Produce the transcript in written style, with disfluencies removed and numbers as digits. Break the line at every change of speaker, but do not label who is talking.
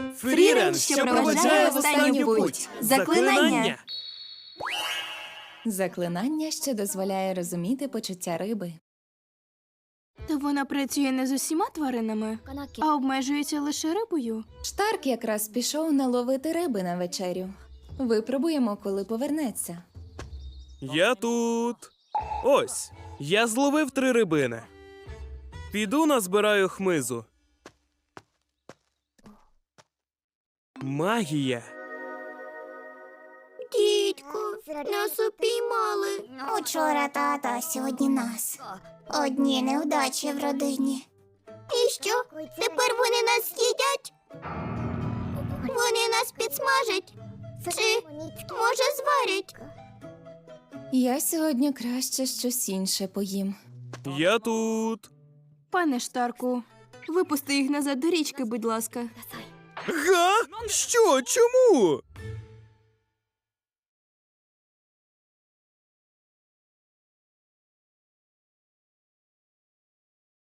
Фрірен, що проведжає в останню путь. Заклинання.
Заклинання, що дозволяє розуміти почуття риби.
То вона працює не з усіма тваринами, а обмежується лише рибою.
Штарк якраз пішов наловити риби на вечерю. Випробуємо, коли повернеться.
Я тут. Ось, я зловив 3 рибини. Піду назбираю хмизу. Магія.
Дідько, нас упіймали. Учора тата, а сьогодні нас. Одні невдачі в родині. І що? Тепер вони нас з'їдять? Вони нас підсмажать? Чи, може, зварять?
Я сьогодні краще щось інше поїм.
Я тут.
Пане Штарку, випусти їх назад до річки, будь ласка.
Га? Що? Чому?